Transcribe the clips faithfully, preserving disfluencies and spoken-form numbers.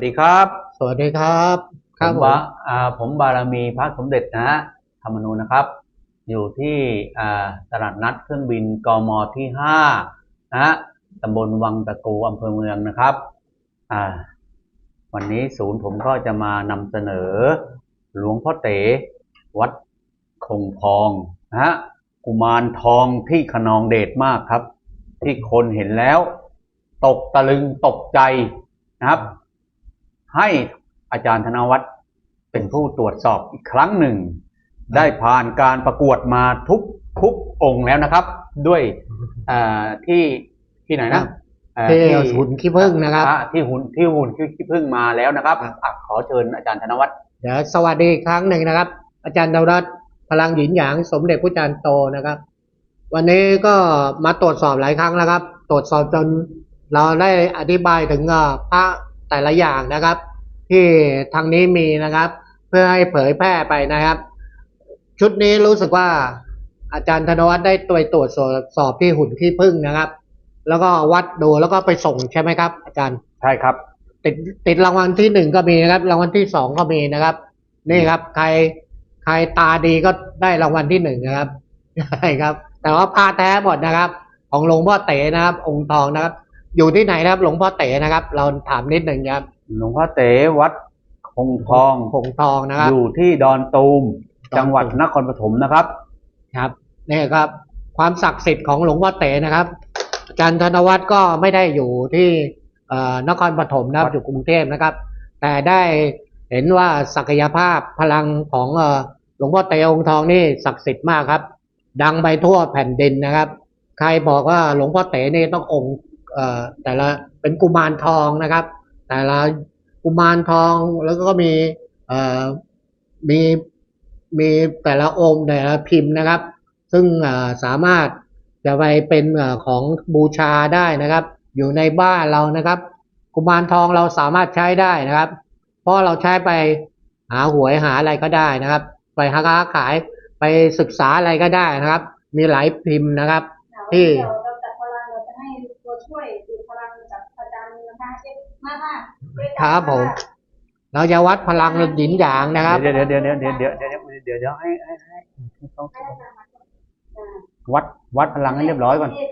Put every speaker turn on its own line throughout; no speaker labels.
ดีครับ
สวัสดีครับค
ผม
รับผม
บาอ่าผมบารมีพระสมเด็จนะฮะธรรมนูญนะครับอยู่ที่อ่าตลาดนัดเครื่องบินกมที่ห้านะฮะตำบลวังตะกูอำเภอเมืองนะครับอ่าวันนี้ศูนย์ผมก็จะมานำเสนอหลวงพ่อเต๋วัดคงทองนะฮะกุมารทองที่ขนองเดชมากครับที่คนเห็นแล้วตกตะลึงตกใจนะครับให้อาจารย์ธนวัฒน์เป็นผู้ตรวจสอบอีกครั้งหนึ่งได้ผ่านการประกวดมาทุกทุกองค์แล้วนะครับด้วยที่ที่ไหนนะ
ที่หุ่นขี้ผึ้งนะครับ
ที่หุ่นที่หุ่นขี้ผึ้งมาแล้วนะครับขอเชิญอาจารย์ธนวัฒน์
เดี๋ยวสวัสดีอีกครั้งหนึ่งนะครับอาจารย์ธนวัฒน์พลังหยินหยางสมเด็จพระจารย์โตนะครับวันนี้ก็มาตรวจสอบหลายครั้งแล้วครับตรวจสอบจนเราได้อธิบายถึงพระแต่ละอย่างนะครับที่ทางนี้มีนะครับเพื่อให้เผยแพร่ไปนะครับชุดนี้รู้สึกว่าอาจารย์ธนวัฒน์ได้ตัวตรวจสอบที่หุ่นขี้ผึ้งนะครับแล้วก็วัดดูแล้วก็ไปส่งใช่ไหมครับอาจารย์
ใช่ครับ
ติดติดรางวัลที่หนึ่งก็มีนะครับรางวัลที่สองก็มีนะครับนี่ครับใครใครตาดีก็ได้รางวัลที่หนึ่งนะครับใช่ครับแต่ว่าผ้าแท้หมดนะครับของหลวงพ่อเต๋นะครับองค์ทองนะครับอยู่ที่ไหนนะครับหลวงพ่อเต๋นะครับเราถามนิดหนึ่งครับ
หลวงพ่อเต๋วัดคงทอง
คงทองนะครับ
อยู่ที่ดอนตูมจังหวัดนครปฐมนะครับ
ครับนี่ครับความศักดิ์สิทธิ์ของหลวงพ่อเต๋นะครับอาจารย์ธนวัฒน์ก็ไม่ได้อยู่ที่นครปฐมนะครับอยู่กรุงเทพนะครับแต่ได้เห็นว่าศักยภาพพลังของหลวงพ่อเต๋องค์ทองนี่ศักดิ์สิทธิ์มากครับดังไปทั่วแผ่นดินนะครับใครบอกว่าหลวงพ่อเต๋นี่ต้ององค์แต่ละเป็นกุมารทองนะครับแต่ละกุมารทองแล้วก็มีมีมีแต่ละองค์แต่ละพิมพ์นะครับซึ่งสามารถจะไปเป็นของบูชาได้นะครับอยู่ในบ้านเรานะครับกุมารทองเราสามารถใช้ได้นะครับเพราะเราใช้ไปหาหวยหาอะไรก็ได้นะครับไปหาค้าขายไปศึกษาอะไรก็ได้นะครับมีหลายพิมพ์นะครับที่
เราจัดพลังเราจะให้ตัวช่วยดูพลังจากอาจารย์นะคะมากมาก
ครับผมเราจะวัดพลังหยินหยางนะครับ
เดี๋ยวเดี๋ยวเดี๋ยวเดี๋ยวเดี๋ยวเดี๋ยวเดี๋ยวเดี๋ยวเดี๋ยวให้ให้ให้วัดวัดพลังให้เรียบร้อยก่อน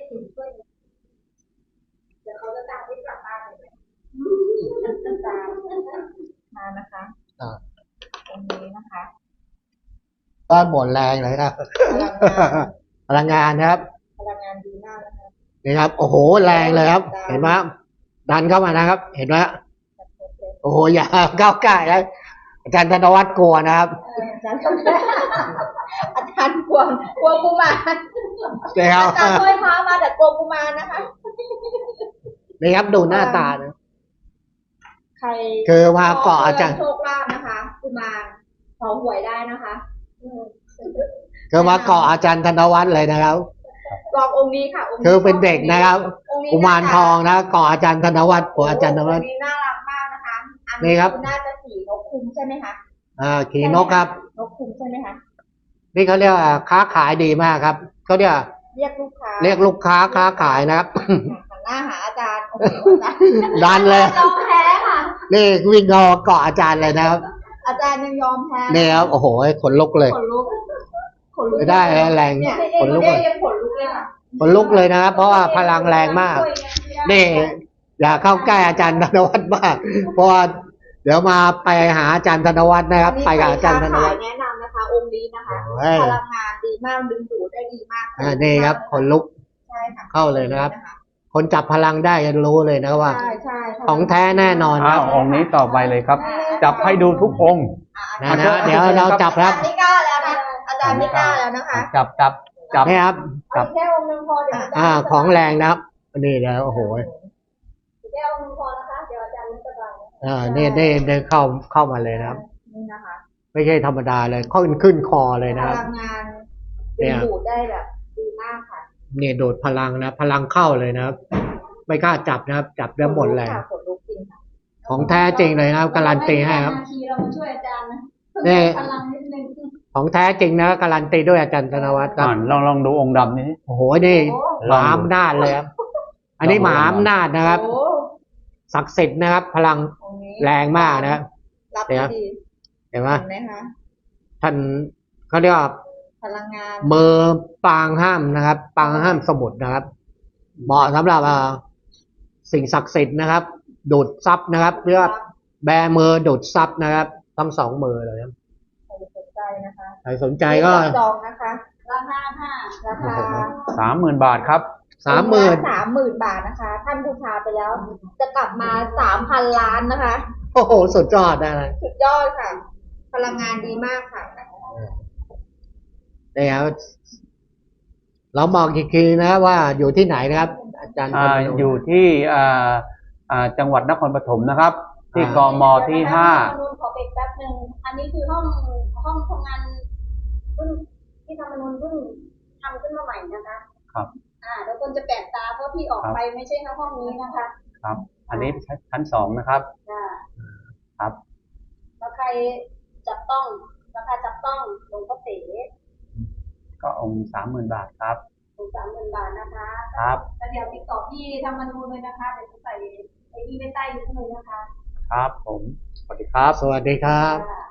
เดี๋ยวเขาจะตามที่กลับบ้านเลยตามมานะคะตรงนี้นะคะ
ก็หมดแรงเลยครับพลังงานครับ
พลังงานดีมากนะคะ
นี่ครับโอ้โหแรงเลยครับเห็นไหมดันเข้ามานะครับเห็นไหมโอ้โหอย่าก้าวไก่แล้วอาจารย์ธนวัฒน์กลัวนะครับ
อาจารย์อาจารย์กลัวกลัวกุมาร
แล้ว
อาจารย์ช่วยพามาแต่กลัวกุมารนะคะ
นี่ครับดูหน้าตานะ
ใคร
คือมาเกาะอาจารย์
โชคลาภนะคะกุมารขอหวยได้นะคะ
คือมาเกาะอาจารย์ธนวัฒน์เลยนะครับ
ลององค์นี้ค่ะองค์นี้
คือเป็นเด็กนะครับกุมารทองนะเกาะอาจารย์ธนวัฒน์ของอาจารย์ธนวัฒน์
น่ารักมากนะคะ
นี่ครับ
น่าจะขี่นกคุ้มใช่ไหมคะ
อ่าขี่นกครับ
นกคุ้มใช่ไหมคะ
นี่เขาเรียกค้าขายดีมากครับเขาเรียก
เรียกลูกค้า
เรียกลูกค้าค้าขายนะครับ
หน้าหาอาจารย์
ดันเลย
ยอมแพ้ค่ะ
นี่วิ่งเกาะเกาะอาจารย์เลยนะครับ
อาจารย์ยังยอมแพ้
นี่ครับโอ้โหขนลุกเลย
ขนลุก
ขนลุกได้แรง
ขนลุกเลยขนลุกเลยค่ะ
ขนลุกเลยนะครับเพราะว่าพลังแรงมากนี่อย่าเข้าใกล้อาจารย์ธนวัฒน์มากเพราะว่าเดี๋ยวมาไปหาอาจารย์ธนวัฒน์นะครับไปกับอาจารย์ธนวัฒน์
แนะนำนะคะองค์นี้นะคะพลังงานดีมากดึงดูดได้ดีมาก
อ่านี่ครับขนลุกเข้าเลยนะครับคนจับพลังได้จะรู้เลยนะว่าของแท้แน่นอนครับ
องค์นี้ต่อไปเลยครับจับให้ดูทุกองค์
นะนะเดี๋ยวเราจับครับ
ไม่กล้าแล้วนะอาจารย์ไม่กล้าแล้วนะคะ
จับจับจับ
นี่ครับ
จับแค่องค์นึงพอเดี๋ยว
อ่าของแรงนะครับนี่แล้วโอ้โห
แค่องค์นึงพอนะคะเดี๋ยวอาจารย์ไม่สบาย
อ่านี่ได้ได้เข้าเข้ามาเลยนะครับ
นี่นะคะ
ไม่ใช่ธรรมดาเลยขึ้นขึ้นคอเลยนะครับ
พลังงานดึงดูดได้แบบดีมากค่ะ
เนี่ยโดดพลังนะพลังเข้าเลยนะครับไม่กล้าจับนะครับจับได้หมดแรงของแท้จริงเลยนะครับการันตีให้ครับ
เรามาช่วยอาจารย์นะ
นี่
พลังนิดนึง
ของแท้จริงนะการันตีด้วยอาจารย์ธนวัฒน์ครับ
ลองลองดูองค์ดำนี้
โอ้โหนี่หมาอำนาจเลยครับอันนี้หมาอำนาจนะครับศักดิ์สิทธิ์นะครับพลังแรงมากนะครับ
รับ
เนี่ย
ดี
เห็นไหม
เห็นไหมคะ
ท่านเขาเรียกว่า
พลังงาน
มือปางห้ามนะครับ ปางห้ามสมุทรนะครับ เหมาะสำหรับอ่าสิ่งศักดิ์สิทธิ์นะครับ ดูดซับนะครับเรียกว่าแบมือดูดซับนะครับทั้งสองมือเลยครับ
ใครสนใจนะคะ
ใครสนใจก็
จองนะคะราคาค่ะราคา
สามหมื่นบาทครับ
สามหมื่น
สามหมื่นบาทนะคะ ท่านบูชาไปแล้ว จะกลับมาสามพันล้านนะคะ
โอ้โหสุดยอดนะเลย
สุดยอดค่ะ พลังงานดีมากค่ะ
นี่ครับเราบอกอีกทีนะว่าอยู่ที่ไหนนะครับ อาจารย์
อ่า
ธรรมนูญ
อยู่ที่อ่าอ่าจังหวัดนครปฐมนะครับ ที่
อ่า
กมที่ห้า
ธรรมนูญขอเบรกแป๊บหนึ่งอันนี้คือห้องห้องทำงานเพิ่งที่ธรรมนูญเพิ่งทำขึ้นมาใหม่นะคะ
ครับ
อ่าเดี๋ยวคนจะแปลกตาเพราะพี่ออกไปไม่ใช่แค่ห้องนี้นะคะ
ครับ อันนี้ชั้นสองนะครับ
อ่า
ครับ
แล้วใครจับต้องราคาจับต้องหลวงพ่อเต๋
ก็องค์สามหมื่นบาทครับ
ถึงสามหมื่นบาทนะคะ
ครับ
แล้วเดี๋ยวติดต่อพี่ธรรมนูญเลยนะคะเดี๋ยวจะใส่ไอ้ที่ไว้ใต้ลิงก์เลยนะคะ
ครับผม
สวัสดีครับ สวัสดีครับ
ค่ะ